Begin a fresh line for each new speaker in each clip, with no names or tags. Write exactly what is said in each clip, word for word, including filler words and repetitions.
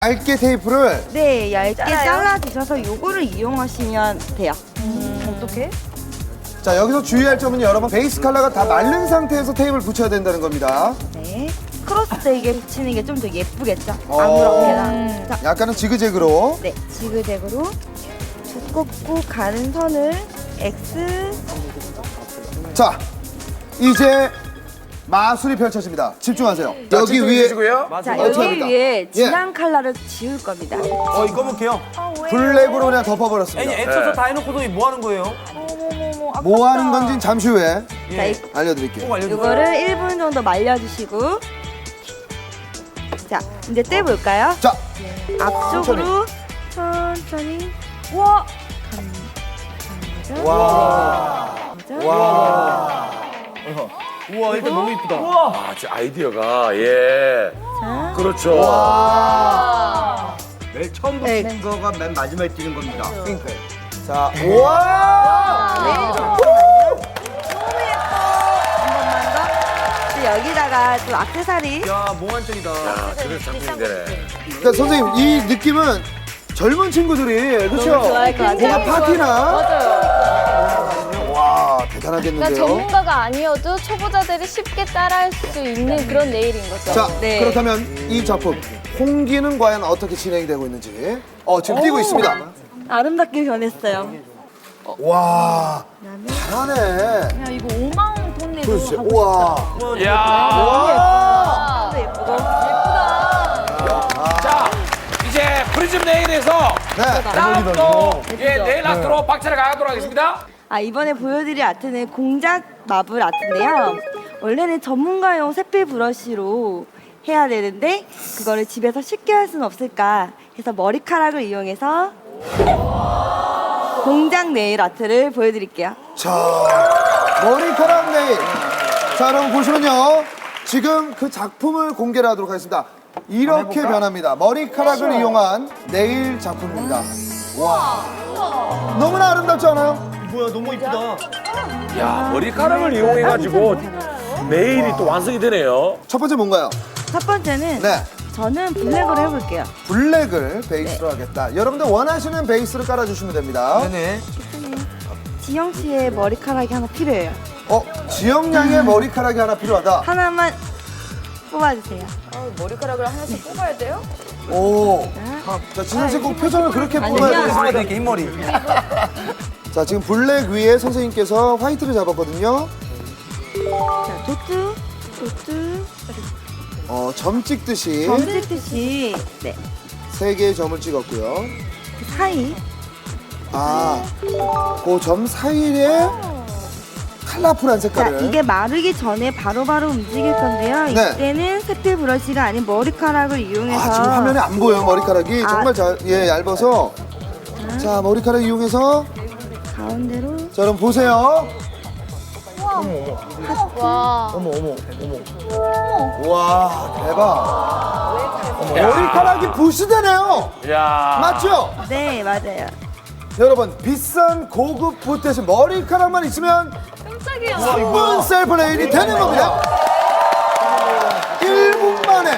얇게 테이프를
네, 얇게
잘라요?
잘라 주셔서 요거를 이용하시면 돼요.
어떻게?
자 여기서 주의할 점은 여러분 베이스 컬러가 다 마른 상태에서 테이프를 붙여야 된다는 겁니다.
네. 크로스 되게 붙이는 게 좀 더 예쁘겠죠?
어.
아무렇게나. 자,
약간은 지그재그로.
네, 지그재그로 두껍고 가는 선을 X.
자 이제 마술이 펼쳐집니다. 집중하세요. 여기 위에
자,
어떻게
여기
합니까?
위에 진한 컬러를 지울 겁니다.
어, 이거 볼게요.
블랙으로 그냥
아니,
덮어버렸습니다.
애써서 다 해놓고도 뭐 하는 거예요?
어머머머.
뭐 하는 건지 잠시 후에
자, 이,
알려드릴게요.
꼭 알려주세요.
이거를 일 분 정도 말려주시고. 자, 이제 떼볼까요?
자
앞쪽으로 천천히.
와.
와. 와.
우와, 일단 너무 이쁘다.
아, 저 아이디어가 예.
자,
그렇죠.
맨 처음
네.
붙이는 거가 맨 마지막에 뛰는 겁니다. 그러니까요.
자, 와!
네, 잠깐만요. 너무 예뻐. 한 번만 더. 또 여기다가 또 액세서리.
야, 몽환적이다.
아, 그런 상품이 되네.
그러니까 선생님, 이 느낌은 젊은 친구들이, 그렇죠?
너무 좋아할 것 같아요.
뭔가 파티나.
맞아요.
와,
그러니까
대단하겠는데요?
전문가가 아니어도 초보자들이 쉽게 따라할 수 있는 그런 네일인 거죠.
자,
네.
그렇다면 이 작품, 홍기는 과연 어떻게 진행이 되고 있는지. 어, 지금 뛰고 있습니다.
아름답게 변했어요.
와, 잘하네.
야, 이거 오만 원 돈 내도
그렇지.
하고
우와.
야.
와.
또 예쁘고.
자, 이제 프리즘 네일에서
네.
다음 또 예, 네일 아트로 박차를 가도록 하겠습니다.
아, 이번에 보여드릴 아트는 공작 마블 아트인데요. 원래는 전문가용 색필 브러쉬로 해야 되는데 그거를 집에서 쉽게 할 수는 없을까 해서 머리카락을 이용해서 공작 네일 아트를 보여드릴게요.
자, 머리카락 네일. 자, 여러분 보시면요. 지금 그 작품을 공개를 하도록 하겠습니다. 이렇게 변합니다. 머리카락을 이용한 네일 작품입니다. 와. 너무나 아름답지 않아요?
뭐야, 너무 이쁘다.
야, 머리카락을 이용해가지고 네일이 또 완성이 되네요.
첫 번째 뭔가요?
첫 번째는
네.
저는 블랙으로 해볼게요.
블랙을 베이스로 하겠다. 여러분들 원하시는 베이스를 깔아주시면 됩니다.
네네.
지영 씨의 머리카락이 하나 필요해요.
어, 지영 양의 머리카락이 하나 필요하다.
하나만 뽑아주세요.
머리카락을 하나씩 뽑아야 돼요?
오. 자, 진영 씨 꼭 표정을 그렇게 뽑아야
흰머리
되겠습니다.
이렇게 흰머리.
자, 지금 블랙 위에 선생님께서 화이트를 잡았거든요.
자, 도트, 도트,
어, 점 찍듯이
점 찍듯이 네,
세 개의 점을 찍었고요.
그 사이.
아, 그 점 사이에 컬러풀한
자,
색깔을.
이게 마르기 전에 바로바로 움직일 건데요.
네.
이때는 색필 브러쉬가 아닌 머리카락을 이용해서
아, 지금 화면에 안 보여요, 머리카락이.
아.
정말 잘, 예, 얇아서. 자, 머리카락 이용해서.
가운데로
자, 여러분 보세요.
와.
어머, 어머, 어머.
와, 대박. 머리카락이 부시되네요.
야.
맞죠?
네, 맞아요.
여러분, 비싼 고급 붓 머리카락만 있으면
깜짝이야.
삼 분 셀프 네일이 되는 겁니다. 일 분 만에.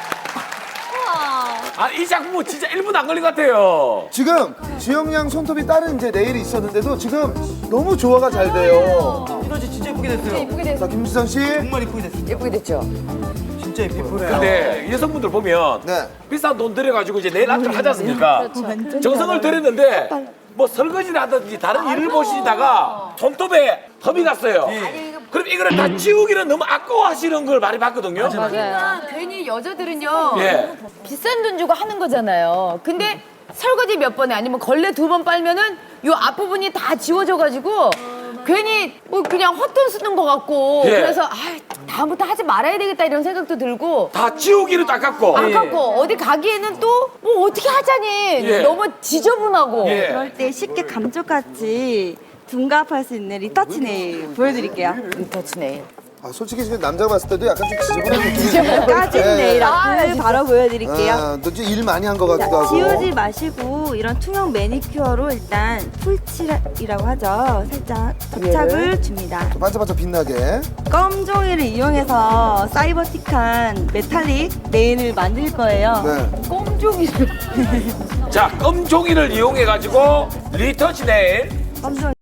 아, 이 작품은 진짜 일 분 안 걸린 것 같아요.
지금 지영 양 손톱이 다른 이제 네일이 있었는데도 지금 너무 조화가 잘 돼요.
이거 진짜 이쁘게 됐어요.
예쁘게 됐어.
자, 김수선 씨.
정말 이쁘게 됐어요.
예쁘게 됐죠?
진짜 이쁘네요.
근데 여성분들 보면
네.
비싼 돈 들여가지고 이제 네일 아트를 하지 않습니까? 정성을 들였는데 뭐 설거지를 하든지 다른 일을 보시다가 손톱에 험이 갔어요. 그럼 이거를 다 지우기는 너무 아까워하시는 걸 많이 봤거든요.
맞아요.
괜히 여자들은요.
예.
비싼 돈 주고 하는 거잖아요. 근데 설거지 몇 번에 아니면 걸레 두 번 빨면은 요 앞부분이 다 지워져가지고 괜히 뭐 그냥 헛돈 쓰는 것 같고
예.
그래서 아 다음부터 하지 말아야 되겠다 이런 생각도 들고
다 지우기는 아깝고.
아깝고 어디 가기에는 또 뭐 어떻게 하자니
예.
너무 지저분하고
예.
그럴 때 쉽게 감쪽같이 둔갑할 수 있는 리터치 네일 보여드릴게요.
리터치 네일
아, 솔직히 지금 남자가 봤을 때도 약간 좀 지저분한 느낌이
까진 네일 아트 바로 보여드릴게요.
아, 너 일 많이 한 것 같기도 하고.
지우지 마시고 이런 투명 매니큐어로 일단 풀칠이라고 하죠. 살짝 접착을 줍니다.
반짝반짝 빛나게.
껌 종이를 이용해서 사이버틱한 메탈릭 네일을 만들 거예요.
네.
꼼종이를.
자, 껌 종이를 이용해 가지고 리터치 네일
껌 종이.